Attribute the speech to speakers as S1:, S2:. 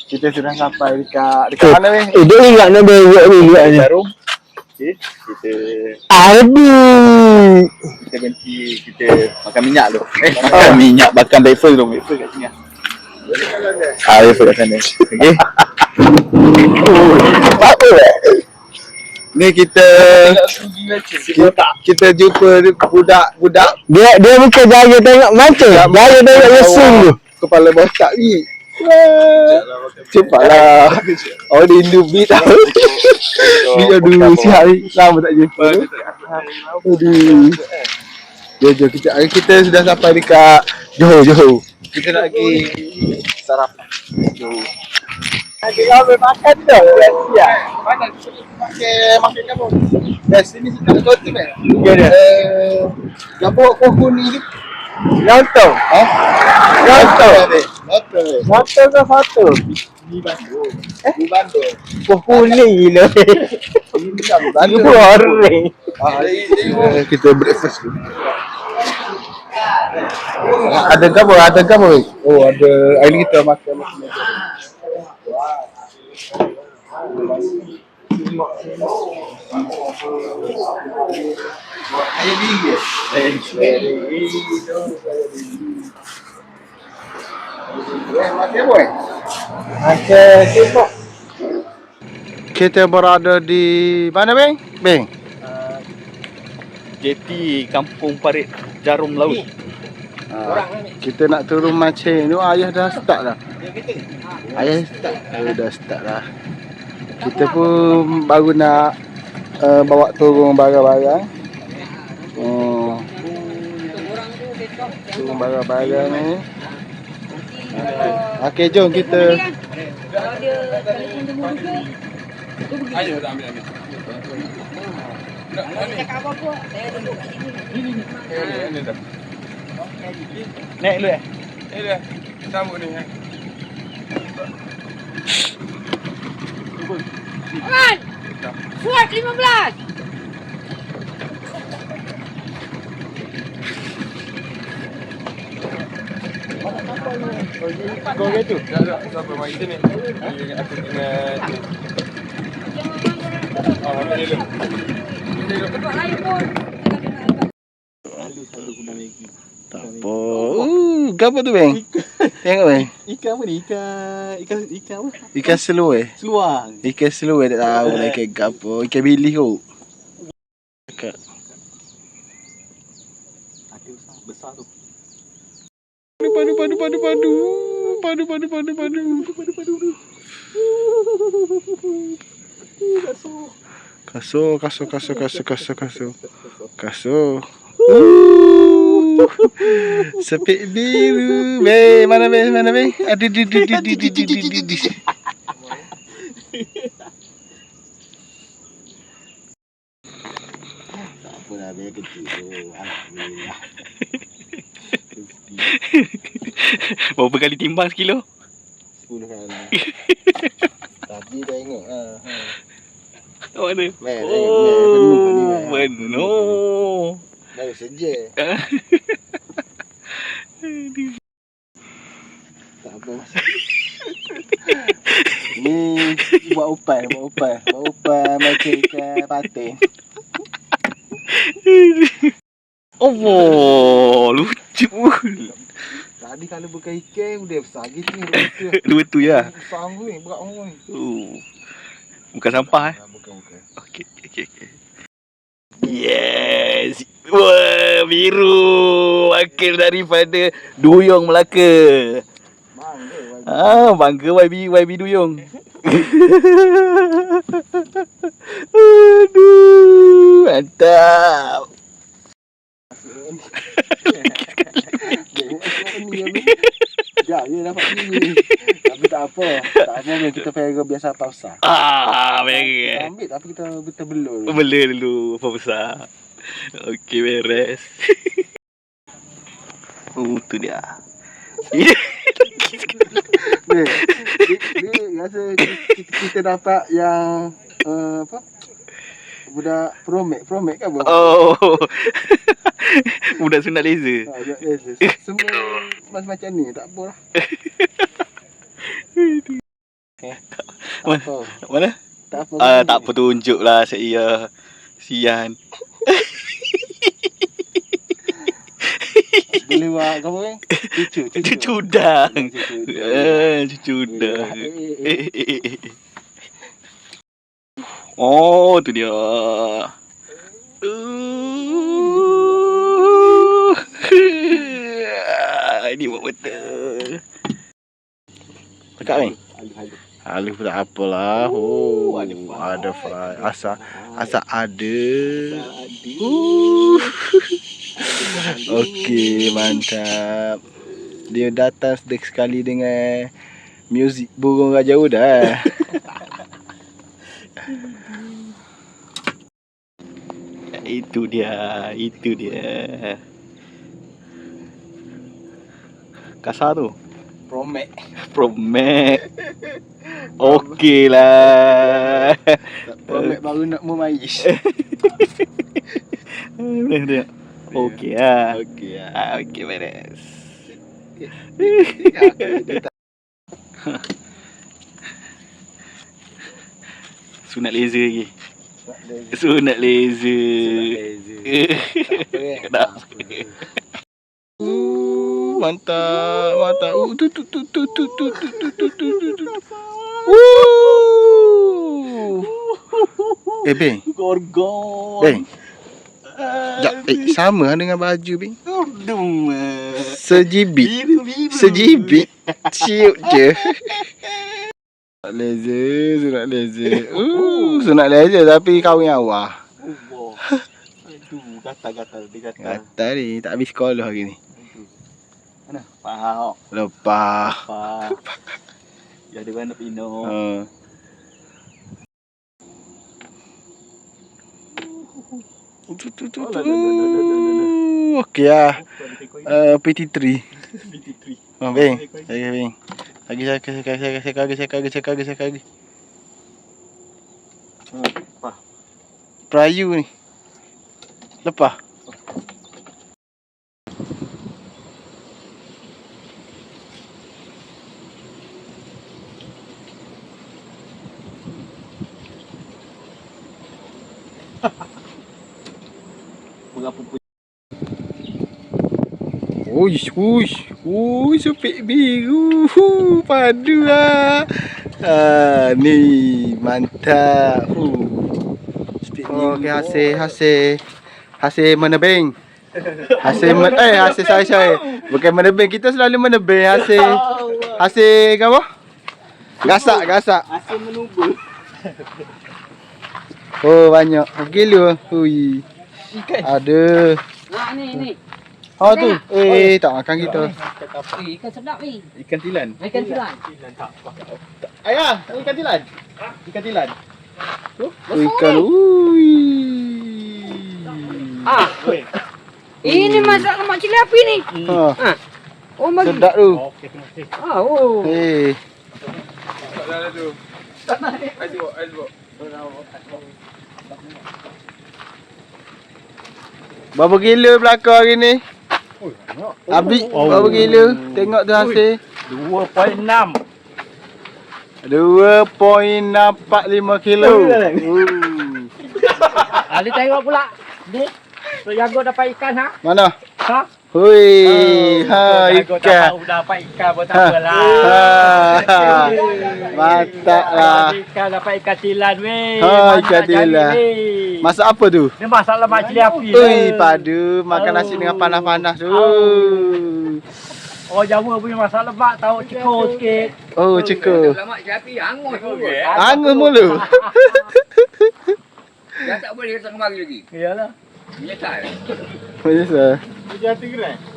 S1: Kita sudah sampai dekat mana weh?
S2: Dia ingat nak bengok dulu ni.
S1: Jarum. Okey, kita
S2: Aduh.
S1: kita berhenti, kita makan minyak tu. Makan minyak bakar waffle tu. Waffle kat sini. Waffle kat sana. Okey.
S2: Apa
S1: Ni kita jumpa budak-budak.
S2: Dia bukan jaga tengok mata. Jaga tengok lesung tu.
S1: Kepala botak ni. Cepatlah. Oh rindu beat tau. Beat aduh siap ni. Lama tak jumpa. Aduh. Jom kita sudah sampai dekat Johor. Kita nak pergi sarapan. Johor. Ada ramai makan dah. Siap. Mana makan kamu? Dari sini kita kau tu kan? Ya dah. Gabuk pohon ni. Lontong. Lontong ke foto? Di Bandung. Di Bandung.
S2: Pohon ni gila. Goreng.
S1: Kita breakfast dulu. Ada apa? Oh, ada air kita makan. Kita berada di mana, Beng?
S3: JT Kampung Parit Jarum Laut.
S1: Kita nak turun mancing tu, ayah dah start dah. Dah start dah. Kita pun baru nak bawa turun barang-barang. Turun barang-barang ni. Okey, jom kita.
S3: Ayo dah ambil.
S4: Cakap apa-apa, saya duduk kat sini.
S3: Ini dah.
S1: Naik dulu
S3: Ini dah. Sambut ni.
S4: Alright. Fuad 15.
S1: Kau gitu.
S3: Dah sampai mari sini. Aku ingat. Ambil dulu.
S4: Tempat lain pun.
S1: Tak apa. Apa tu, Beng? Tengok, Beng.
S3: Ikan apa ni? Ikan apa?
S1: Ikan seluar.
S3: Seluang.
S1: Ikan seluar tak tahu lah ikan apa. Ikan bilis kot.
S3: Ada usaha besar tu.
S1: Kasur. Sepik biru. Mana be? Ada di. Tak apa dah, biar kecil tu. Alhamdulillah.
S3: Berapa kali timbang sekilo?
S1: 10 kali. Tadi dah tengok.
S3: Mana?
S1: Penuh.
S3: Penuh.
S1: Baru saja. Tak apa. Ni buat upan macam ikan patin.
S3: Oh, lucu.
S1: Tadi kalau bukan ikan dia besar gitu ni.
S3: Dua tu ya.
S1: Besar ni, berat ni.
S3: Bukan sampah
S1: Bukan.
S3: Okey. Yes. Wah, biru. Wakil daripada Duyung Melaka. Bangga YB Duyung. Aduh, mantap.
S1: Sekejap je dapat ni. Tapi tak apa. Kita pera biasa pausa.
S3: Merah.
S1: Ambil tapi kita belur.
S3: Bela dulu apa besar. Okey, beres. Tu dia.
S1: Ni rasa kita dapat yang apa? Budak promek kan bang?
S3: Oh. Budak sunat laser.
S1: Semua macam ni tak apalah.
S3: Mana?
S1: Tak apa.
S3: Tak apa tunjuk lah saya. Sian.
S1: Boleh buat kamu kan?
S3: Cucudang. Cucudang. Oh, tu dia. Ini buat betul.
S2: Dekat ni. Halus tak apalah. Oh, ada fry. Asal ada. Okey, mantap. Dia datang sekali dengan muzik burung Raja Uda.
S3: Itu dia. Kasar tu. Promek. Okey lah.
S1: Promek baru nak memais.
S3: Okey lah.
S1: Okey lah.
S3: Okey beres. Sunat laser lagi. Sunat laser. Kenapa?
S2: Mantap. Beng.
S3: Gorgon.
S2: Beng. Sekejap, sama dengan baju, Beng.
S3: Dum.
S2: Sejibit. Ciut je. Sunat laser. Sunat laser tapi kahwin awal.
S3: Aduh, gatal dia gatal.
S2: Kata ni, tak habis sekolah hari ni.
S3: Mana? Faham.
S2: Lepas.
S3: Ya dia nak pino.
S2: Okey lah. PT3. Beng. Beng. Lagi. Perayu ni. Lepas. Uish, sepik biru. Padu lah. Ni mantap. Okey, hasil menebeng. Hasil saya. Bukan menebeng, kita selalu menebeng hasil apa? Gasak.
S3: Asyik menubur.
S2: Oh, banyak. Gila. Hui. Ada.
S4: Nah, ni.
S2: Tu. Tak makan kita.
S4: Ikan sedap ni.
S3: Ikan tilan.
S4: Ikan tilan.
S3: Ayah, ikan tilan. Ikan tilan.
S2: Ikan.
S4: Ini masak lemak cili api ni. Oh, bagi.
S2: Sedap tu.
S3: Okey, terima kasih.
S4: Oh.
S2: Berapa kilo belakang hari ni? Habis berapa kilo? Tengok tu hasil.
S3: 2.6.
S2: 2.45 kilo.
S4: Ali tengok pula. Ni. Jago dapat ikan ha?
S2: Mana?
S4: Ha?
S2: Hui,
S3: Jago
S2: ikan.
S3: tahu dapat ikan pun tak apalah.
S2: Mantap lah.
S3: Ikan dapat ikan tilan weh.
S2: Ikan tilan. Masak apa tu?
S3: Dia masak lemak cili api.
S2: Ui, padu makan nasi dengan panas-panas tu.
S3: Oh, Jawa punya masak lemak tahu cekur sikit.
S2: Oh, cekur.
S4: Lemak cili api hangus tu.
S2: Hangus mulu.
S4: Dah tak boleh datang kemari lagi.
S3: Iyalah.
S4: Menyesal.
S2: Menyesal.
S3: Dia hati gerai.